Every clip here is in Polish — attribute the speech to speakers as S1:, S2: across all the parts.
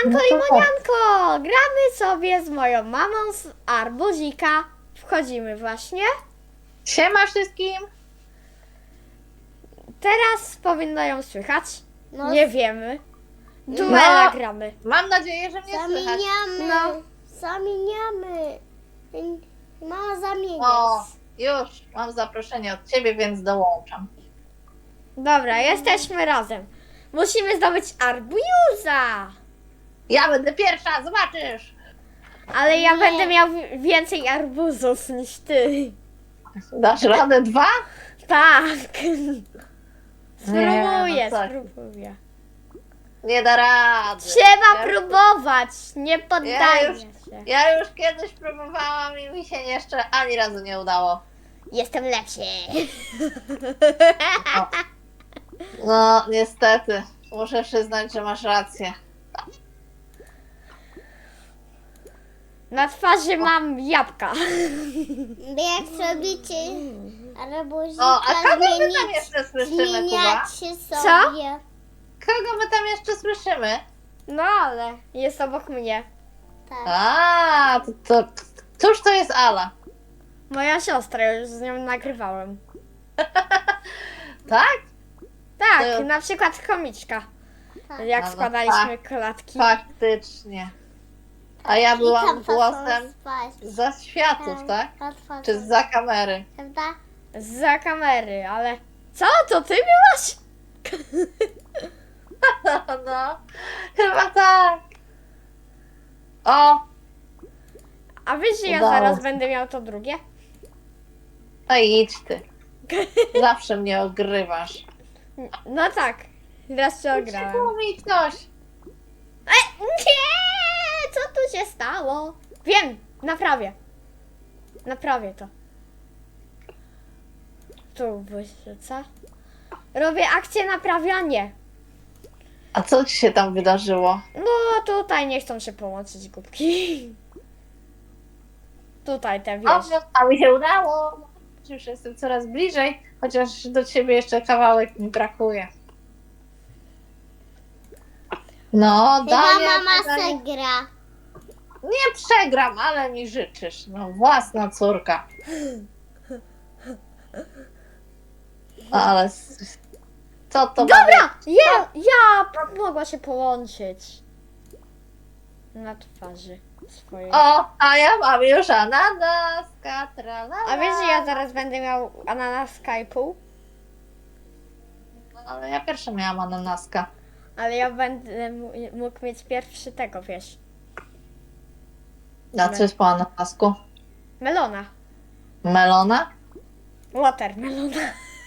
S1: Siemanko
S2: No to
S1: limonianko! Gramy sobie z moją mamą z arbuzika. Wchodzimy właśnie.
S2: Siema wszystkim!
S1: Teraz powinno ją słychać.
S3: No,
S1: Nie wiemy. Duela gramy.
S2: Mam nadzieję, że mnie słychać.
S3: Zamieniamy.
S1: No.
S3: Zamieniamy. Mama zamieniać.
S2: O, już mam zaproszenie od ciebie, więc dołączam.
S1: Dobra, jesteśmy razem. Musimy zdobyć arbuza.
S2: Ja będę pierwsza, zobaczysz!
S1: Ale ja
S3: Nie.
S1: będę miał więcej arbuzów niż ty.
S2: Dasz radę 2?
S1: Tak.
S2: Nie,
S1: Spróbuję,
S2: no tak.
S1: spróbuję.
S2: Nie da rady.
S1: Trzeba
S2: Ja-
S1: próbować. Nie poddaję
S2: już-
S1: się.
S2: Ja już kiedyś próbowałam i mi się jeszcze ani razu nie udało.
S1: Jestem lepszy.
S2: No, niestety. Muszę przyznać, że masz rację.
S1: Na twarzy mam jabłka.
S3: Jak zrobicie arbuzika,
S2: O, a kogo my tam
S3: zmienić,
S2: jeszcze słyszymy, Kuba?
S3: zmieniacie
S1: Co?
S3: sobie.
S2: Kogo my tam jeszcze słyszymy?
S1: No ale jest obok mnie.
S3: Tak.
S2: A, cóż to jest Ala?
S1: Moja siostra, już z nią nagrywałem.
S2: Tak?
S1: Tak,
S2: To-
S1: na przykład komiczka.
S3: Tak.
S1: Jak
S2: No,
S1: składaliśmy klatki.
S2: Faktycznie. A ja
S3: I
S2: byłam
S3: tam
S2: głosem
S3: spać.
S2: za światów, tak? Czy za kamery?
S3: Prawda?
S1: Za kamery, ale... Co? To ty byłaś?
S2: No, chyba tak. O,
S1: A wiesz, że ja
S2: Udało
S1: zaraz
S2: się.
S1: będę miał to drugie?
S2: no idź ty. Zawsze mnie ogrywasz.
S1: No tak. Raz się ograłem.
S2: Uciekło mi ktoś.
S1: Nie! Co tu się stało? Wiem, naprawię. Naprawię to. Tu wyrzuca. Robię akcję naprawianie.
S2: A co ci się tam wydarzyło?
S1: No tutaj nie chcą się połączyć głupki. Tutaj te
S2: O,
S1: wiesz.
S2: a mi się udało. Już jestem coraz bliżej, chociaż do ciebie jeszcze kawałek mi brakuje. No,
S3: Chyba
S2: dalej.
S3: mama se gra.
S2: Nie przegram, ale mi życzysz. No, własna córka. Ale co to ma
S1: Dobra! Ja mogła się połączyć. Na twarzy swojej.
S2: O, a ja mam już ananaska, tralala.
S1: A wiesz, że ja zaraz będę miał ananas Skype'u?
S2: Ale ja pierwsza miałam ananaska.
S1: Ale ja będę mógł mieć pierwszy tego, wiesz.
S2: A co jest po ananasku?
S1: Melona.
S2: Melona?
S1: Watermelona.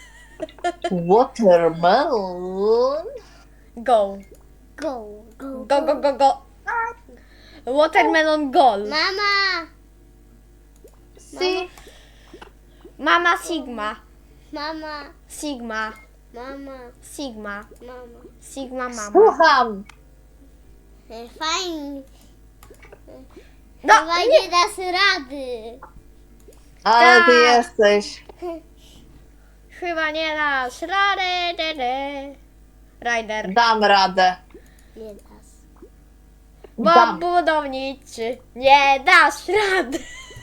S2: Watermelon?
S1: Go.
S3: Go, go,
S1: Go, go, go, go. Watermelon goal.
S3: Mama!
S2: Si.
S1: Mama Sigma.
S3: Mama!
S1: Sigma.
S3: Mama!
S1: Sigma.
S3: Mama!
S1: Sigma mama.
S2: Słucham.
S3: Fajnie.
S1: No,
S3: Chyba
S1: nie.
S3: nie dasz rady.
S2: Ale ty
S1: Tak.
S2: jesteś.
S1: Chyba nie dasz rady. Rider.
S2: Dam radę.
S3: Nie dasz.
S1: Bo
S2: Dam.
S1: budowniczy. Nie dasz rady.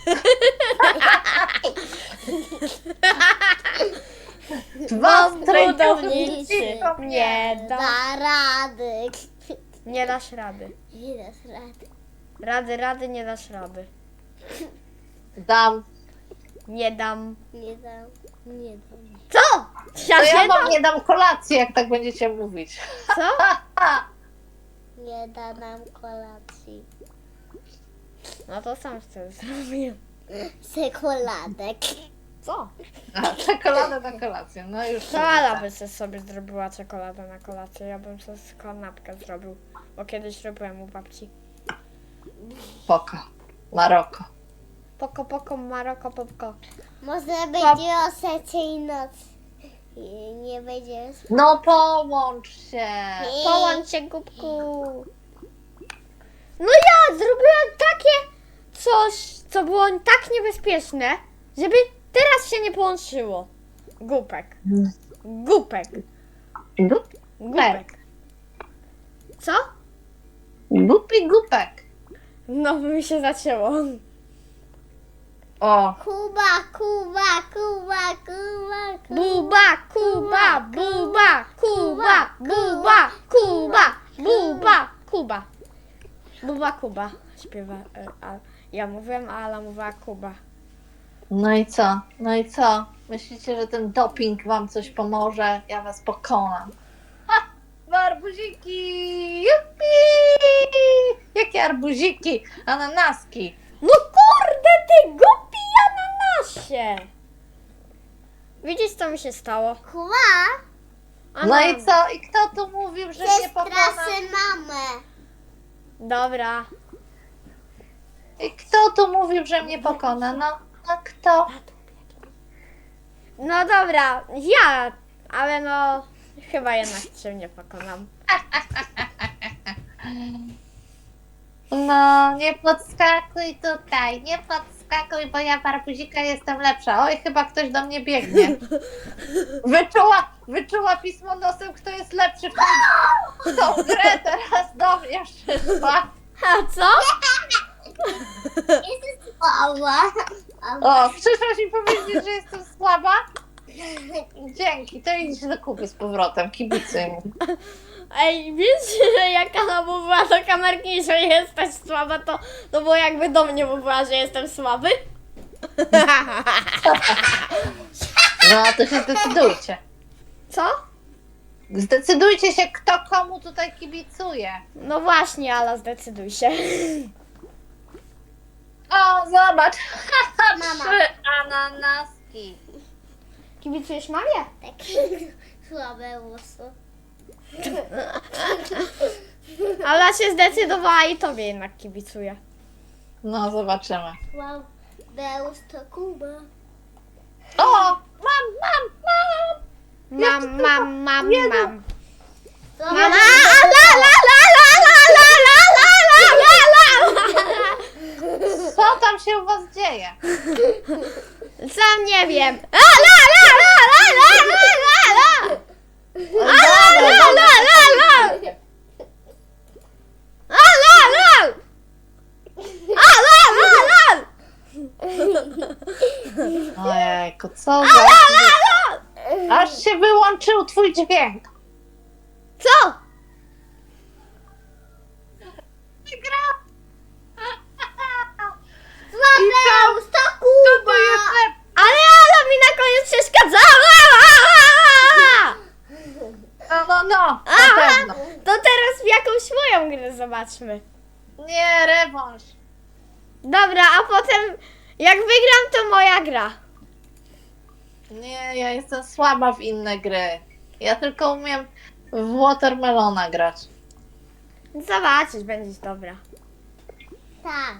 S2: Dwa
S1: Bo
S2: strajkownicy.
S1: budowniczy. Nie da.
S3: Da rady.
S1: Nie dasz rady.
S3: Nie dasz rady.
S1: Rady, nie dasz rady.
S2: Dam.
S1: Nie dam.
S3: Nie dam. Nie dam.
S1: Co? Ja
S2: To ja
S1: się
S2: wam
S1: dam?
S2: nie dam kolacji, jak tak będziecie mówić.
S1: Co?
S3: Nie da nam kolacji.
S1: No to sam chcę zrobić.
S3: Czekoladek.
S1: Co?
S2: A, czekoladę na kolację. No już.
S1: To Ala by sobie zrobiła czekoladę na kolację. Ja bym sobie kanapkę zrobił. Bo kiedyś robiłem u babci.
S2: Spoko. Maroko.
S1: Poko, Maroko, popko.
S3: Może będzie o 3:00 nocy. I nie będzie spać.
S2: No połącz się.
S1: Połącz się, głupku. No ja zrobiłem takie coś, co było tak niebezpieczne, żeby teraz się nie połączyło. Głupek. Głupek.
S2: Dup.
S1: Głupek. Co?
S2: Głupi głupek.
S1: No, mi się zacięło.
S2: O,
S3: Kuba, Kuba, Kuba, Kuba,
S1: Buba, Kuba, Buba, Kuba, Buba, Kuba, Buba, Kuba. Buba, Kuba śpiewa. A ja mówiłem, a Ala mówiła Kuba.
S2: no i co? No i co? Myślicie, że ten doping wam coś pomoże? Ja was pokonam. Ha! Arbuziki! Jupi! Jakie arbuziki? Ananaski!
S1: No kurde, ty głupi ananasie! Widzisz, co mi się stało?
S3: Kuba,
S2: No i co? I kto tu mówił, że mnie pokona?
S3: przestraszy mamę.
S1: Dobra.
S2: I kto tu mówił, że mnie pokona? No kto?
S1: No dobra, ja, ale no chyba jednak cię nie pokonam.
S2: No, nie podskakuj tutaj, nie podskakuj, bo ja w arbuzika jestem lepsza. Oj, chyba ktoś do mnie biegnie. Wyczuła pismo nosem, kto jest lepszy w tą grę, teraz do mnie przyszła.
S1: A co?
S3: Jesteś słaba.
S2: O, przyszłaś mi powiedzieć, że jestem słaba? Dzięki, to idź do Kuby z powrotem, kibicuj mu.
S1: Ej, wiesz, że jak ona mówiła do kamerki, że jesteś słaba, to było jakby do mnie mówiła, że jestem słaby?
S2: No, to się zdecydujcie.
S1: Co?
S2: Zdecydujcie się, kto komu tutaj kibicuje.
S1: No właśnie, Ala, zdecyduj się.
S2: O, zobacz,
S3: Mama.
S2: 3 ananaski.
S1: Kibicujesz mamie?
S3: Tak, słabe włosy.
S1: Ala się zdecydowała i tobie jednak kibicuje.
S2: No, zobaczymy.
S3: Słabe to Kuba.
S2: O, mam.
S1: Mam. Mama,
S3: Mama,
S1: la la la la la la la la la la.
S2: Co tam się u was dzieje?
S1: Sam nie wiem. La la la la la la la la. La la la la la. La la la. La la la la.
S2: Ojejku, co za... Aż się wyłączył twój dźwięk.
S1: Co?
S2: Gra.
S3: słabe to
S2: To
S3: Kuba.
S2: jest lep...
S1: Ale Ala mi na koniec przeszkadzała.
S2: No, na
S1: Aha.
S2: pewno.
S1: To teraz w jakąś moją grę zobaczmy.
S2: Nie, rewanż.
S1: Dobra, a potem jak wygram, to moja gra.
S2: Nie, ja jestem słaba w inne gry. Ja tylko umiem w Watermelona grać.
S1: Zobaczysz, będziesz dobra.
S3: Tak.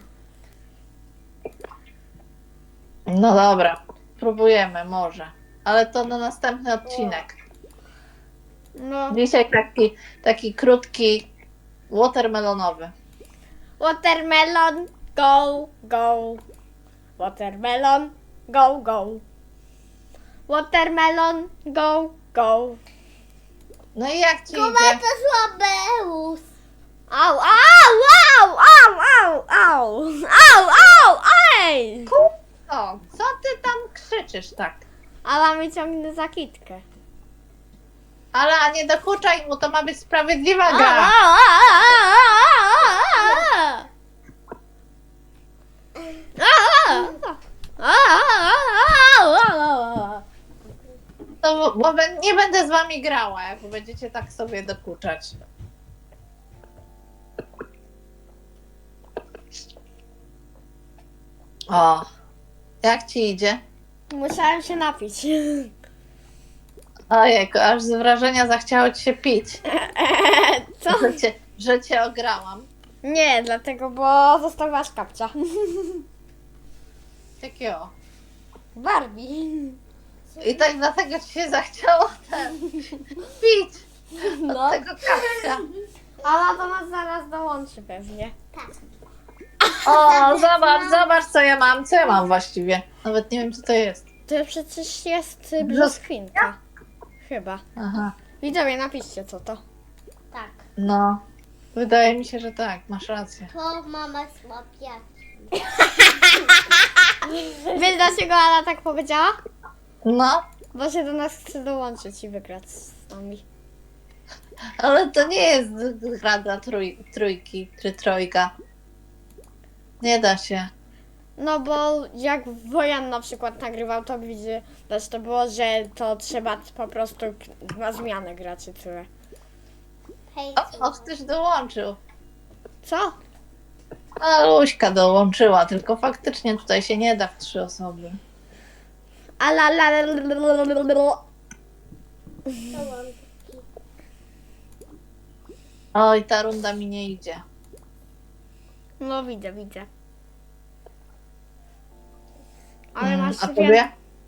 S2: No dobra, próbujemy może. Ale to na następny odcinek.
S1: No,
S2: Dzisiaj taki krótki watermelonowy.
S1: watermelon, go, go. Watermelon, go, go. Watermelon, go, go.
S2: No i jak ci
S3: Kuba
S2: idzie?
S3: to słabe włos.
S1: Au, au, au, au, au, au, au, au, ej!
S2: O, co ty tam krzyczysz tak?
S1: Ala mi ciągnie za kitkę.
S2: Ale nie dokuczaj mu, to ma być sprawiedliwa
S1: Au,
S2: gra.
S1: au, au, au, au.
S2: Bo nie będę z wami grała, jak będziecie tak sobie dokuczać. O, jak ci idzie?
S1: Musiałem się napić.
S2: Ojejku, aż z wrażenia zachciało ci się pić,
S1: Co?
S2: że cię ograłam.
S1: Nie, dlatego, bo zostawiłaś kapcia.
S2: Takiego.
S1: Barbie.
S2: I tak dlatego ci się zachciało pić
S1: No.
S2: tego kapcia.
S1: Ala do nas zaraz dołączy pewnie.
S3: Tak.
S2: O, zobacz co ja mam. Co ja mam właściwie? Nawet nie wiem co to jest.
S1: To przecież jest brzoskwinka. Chyba.
S2: Aha.
S1: Widzowie, napiszcie co to.
S3: Tak.
S2: No. Wydaje mi się, że tak, masz rację.
S3: To mama słabia.
S1: Wiesz dlaczego Ala tak powiedziała?
S2: No,
S1: Bo się do nas chce dołączyć i wygrać z nami.
S2: ale to nie jest gra dla trójki, czy trojga. Nie da się.
S1: No bo jak Wojan na przykład nagrywał, to widzę, też to było, że to trzeba po prostu na zmianę grać i tyle.
S3: Hej,
S2: O, ktoś dołączył.
S1: Co?
S2: A Luśka dołączyła, tylko faktycznie tutaj się nie da w 3 osoby.
S1: Ala la la la la la la la.
S2: Oj, ta runda mi nie idzie.
S1: No widzę. Ale masz
S2: A tobie?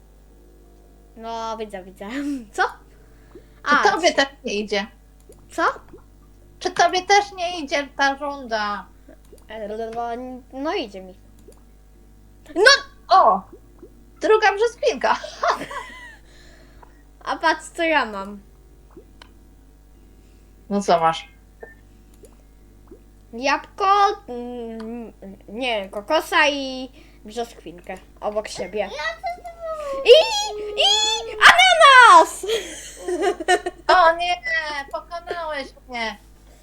S1: No widzę. Co?
S2: Czy tobie też nie idzie?
S1: Co?
S2: Czy tobie też nie idzie ta runda?
S1: No idzie mi. No!
S2: O! Druga brzoskwinka.
S1: A patrz co ja mam.
S2: No co masz?
S1: Jabłko, nie, kokosa i brzoskwinkę obok siebie. I ananas!
S2: O nie, pokonałeś mnie.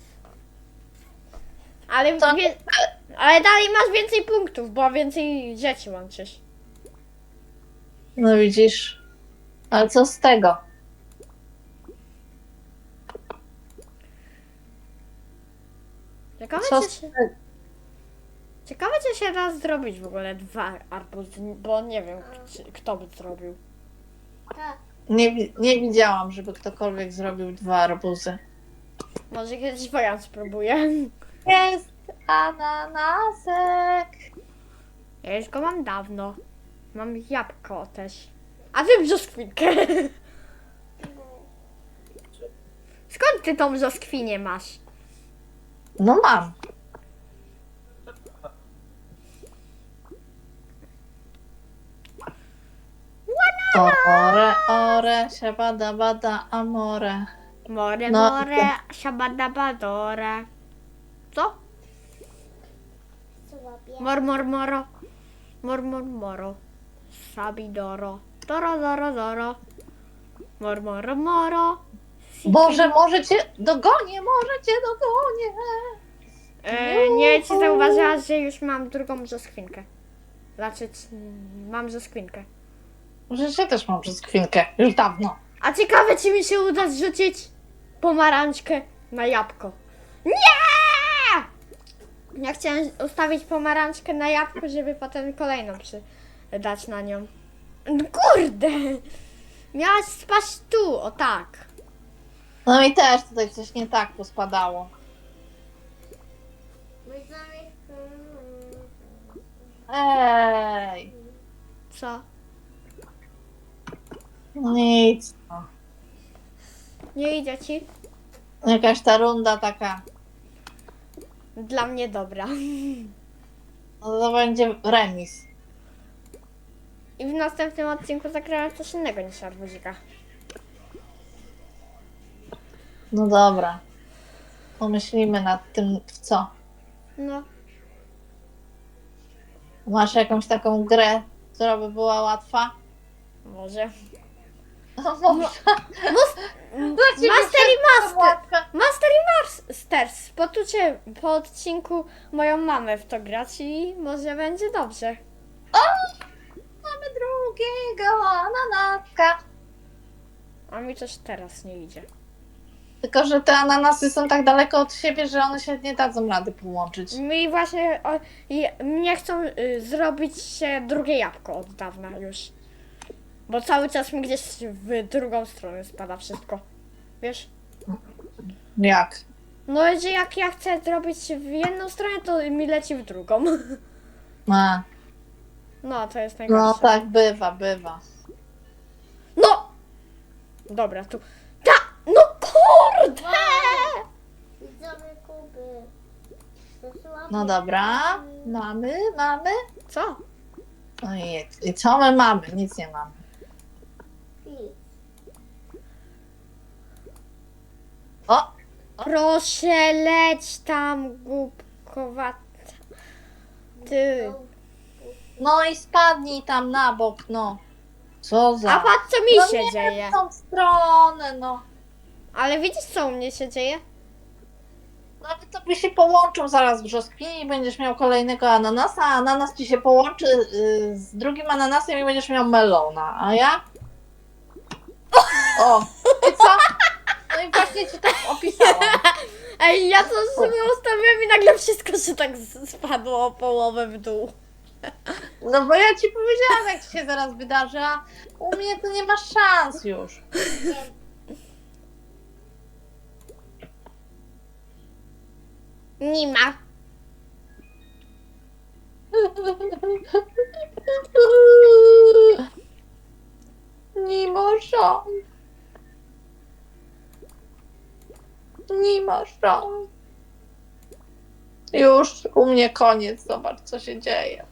S1: Ale,
S2: To-
S1: ale dalej masz więcej punktów, bo więcej rzeczy łączysz.
S2: No widzisz. Ale co z tego?
S1: Ciekawe,
S2: Co
S1: czy
S2: z
S1: się,
S2: tego?
S1: ciekawe, czy się da zrobić w ogóle 2 arbuzy, bo nie wiem, kto by zrobił.
S3: Tak.
S2: Nie widziałam, żeby ktokolwiek zrobił 2 arbuzy.
S1: Może kiedyś Wojan spróbuje.
S2: Jest ananasek.
S1: Ja już go mam dawno. Mam jabłko też. A ty brzoskwinkę. Skąd ty tą brzoskwinię masz?
S2: No mam. Ore, ore, siabada, bada, amore.
S1: More,
S2: No,
S1: more, shabadabadore. Co?
S3: Słabia.
S1: Moro. Moro. Sabidoro. Doro. Moro.
S2: Boże, może cię dogonię.
S1: Nie, ci zauważyłaś, że już mam drugą brzoskwinkę. Znaczy, mam brzoskwinkę.
S2: Może ja też mam brzoskwinkę. Już dawno.
S1: A ciekawe, czy mi się uda zrzucić pomarańczkę na jabłko. Nie! Ja chciałem ustawić pomarańczkę na jabłko, żeby potem kolejną dać na nią. No kurde! Miałaś spaść tu, o tak.
S2: No i też tutaj coś nie tak pospadało. Ej.
S1: Co?
S2: Nic. No.
S1: Nie idzie ci?
S2: Jakaś ta runda taka.
S1: Dla mnie dobra.
S2: No to będzie remis.
S1: I w następnym odcinku zagrałem coś innego niż arbuzika.
S2: No dobra. Pomyślimy nad tym, w co.
S1: No.
S2: Masz jakąś taką grę, która by była łatwa?
S1: Może.
S2: No może.
S1: Master i Master!
S2: Łatwe.
S1: Master i Masters! Poczucie po odcinku moją mamę w to grać i może będzie dobrze.
S2: O! Mamy drugiego ananaska.
S1: A mi coś teraz nie idzie.
S2: Tylko, że te ananasy są tak daleko od siebie, że one się nie dadzą rady połączyć.
S1: Mi właśnie nie chcą zrobić się drugie jabłko od dawna już. Bo cały czas mi gdzieś w drugą stronę spada wszystko. Wiesz?
S2: Jak?
S1: No, że jak ja chcę zrobić w jedną stronę, to mi leci w drugą.
S2: A,
S1: No, to jest najgorsze.
S2: no tak bywa.
S1: No! Dobra, tu. No kurde!
S3: Widzowie Kuby. To słabia.
S2: No dobra. Mamy.
S1: Co?
S2: No i co my mamy? Nic nie mamy.
S3: Nic.
S2: O!
S1: Proszę, leć tam, głupkowata. Ty.
S2: No i spadnij tam na bok, no. Co za...
S1: A patrz, co mi
S2: no
S1: się
S2: nie
S1: dzieje.
S2: w tą stronę, no.
S1: Ale widzisz, co u mnie się dzieje?
S2: Nawet to by się połączył zaraz w brzoskwini i będziesz miał kolejnego ananasa, a ananas ci się połączy z drugim ananasem i będziesz miał melona, a ja? O, i co? No i właśnie ci tak opisałam.
S1: Ej, ja to sobie ustawiłem i nagle wszystko się tak spadło o połowę w dół.
S2: No bo ja ci powiedziałam, jak ci się zaraz wydarzy, a u mnie to nie ma szans już.
S1: Nie ma.
S2: Nie ma szans. Nie ma szans. Już u mnie koniec, zobacz co się dzieje.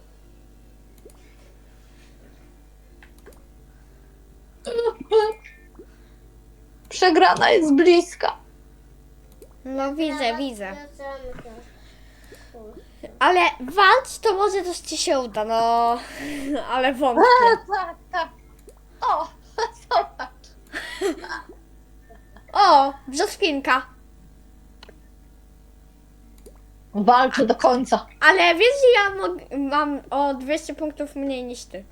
S2: Przegrana jest bliska.
S1: No widzę. Ale walcz, to może coś ci się uda, no. Ale wątpię.
S2: Tak. O, zobacz.
S1: O, brzoskwinka.
S2: Walczy do końca.
S1: Ale wiesz, że ja mam o 200 punktów mniej niż ty.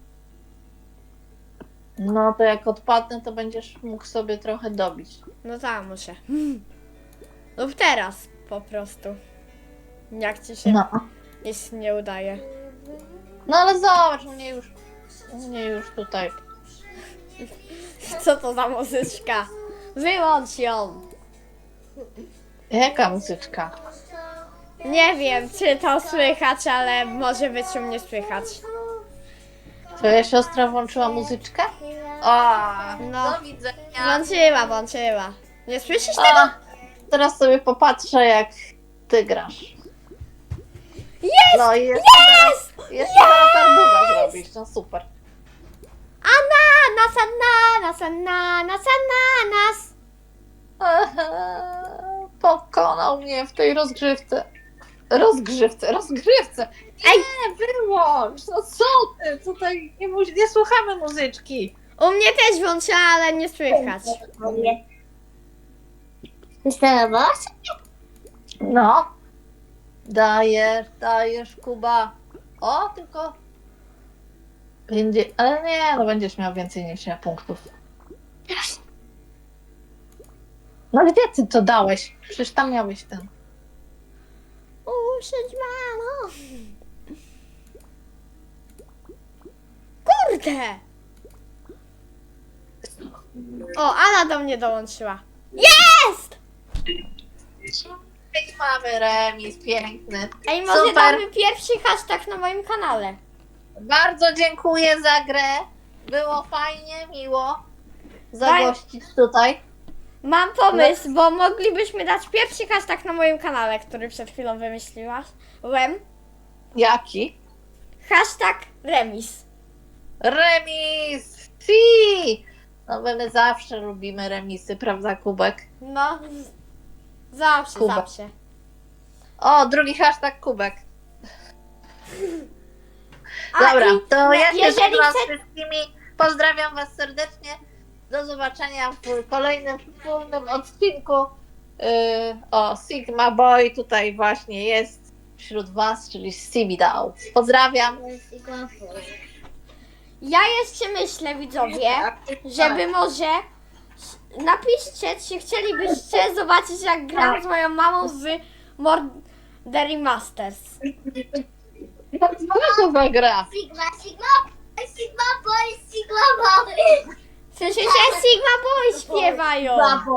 S2: No to jak odpadnę, to będziesz mógł sobie trochę dobić.
S1: No tak, muszę. Lub teraz po prostu. Jak ci się
S2: No.
S1: nic nie udaje.
S2: No ale zobacz, u mnie już tutaj.
S1: Co to za muzyczka? Wyłącz ją.
S2: Jaka muzyczka?
S1: Nie wiem, czy to słychać, ale może być u mnie słychać.
S2: Twoja siostra włączyła muzyczkę? O,
S1: No.
S2: do widzenia.
S1: Włączyła. Nie słyszysz tego?
S2: A, teraz sobie popatrzę, jak ty grasz.
S1: Jest!
S2: No i jeszcze
S1: Jest!
S2: zaraz arbuza zrobisz, no super.
S1: Ananas.
S2: Pokonał mnie w tej rozgrywce. Rozgrywce. Nie, wyłącz. No co ty? Tutaj nie słuchamy muzyczki.
S1: U mnie też włączyła, ale nie słychać.
S3: Instalowałaś?
S2: No. Dajesz, Kuba. O, tylko... Będzie... Ale nie, no będziesz miał więcej niż ja punktów. No gdzie ty to dałeś? Przecież tam miałeś ten.
S1: Usiądź, mamo. Kurde. O, Ala do mnie dołączyła. Jest!
S2: I mamy remis, piękny.
S1: Ej, może
S2: Super.
S1: damy pierwszy hashtag na moim kanale.
S2: Bardzo dziękuję za grę. Było fajnie, miło
S1: Daj.
S2: zagościć tutaj.
S1: Mam pomysł, bo moglibyśmy dać pierwszy hashtag na moim kanale, który przed chwilą wymyśliłaś.
S2: Jaki?
S1: Hashtag remis.
S2: Remis! Si! No my zawsze lubimy remisy, prawda, Kubek?
S1: No, zawsze.
S2: Kuba. O, drugi hashtag Kubek. Dobra, to ja się
S1: jeżeli
S2: żegnam z
S1: chce-
S2: wszystkimi. Pozdrawiam Was serdecznie. Do zobaczenia w kolejnym wspólnym odcinku. O, Sigma Boy tutaj właśnie jest wśród Was, czyli Sibidał. Pozdrawiam.
S1: Ja jeszcze myślę, widzowie, żeby może napiszcie, czy chcielibyście zobaczyć, jak gram z moją mamą w Murder Masters.
S2: Co to za gra?
S3: Sigma boy.
S1: Słyszycie? Sigma Boy śpiewają.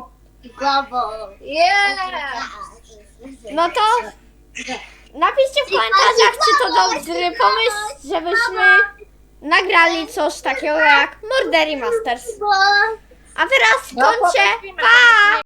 S2: Yeah!
S1: No to napiszcie w komentarzach, czy to dobry pomysł, żebyśmy nagrali coś takiego jak Murder Masters. A teraz
S2: No,
S1: kończę.
S2: poprosimy.
S1: Pa!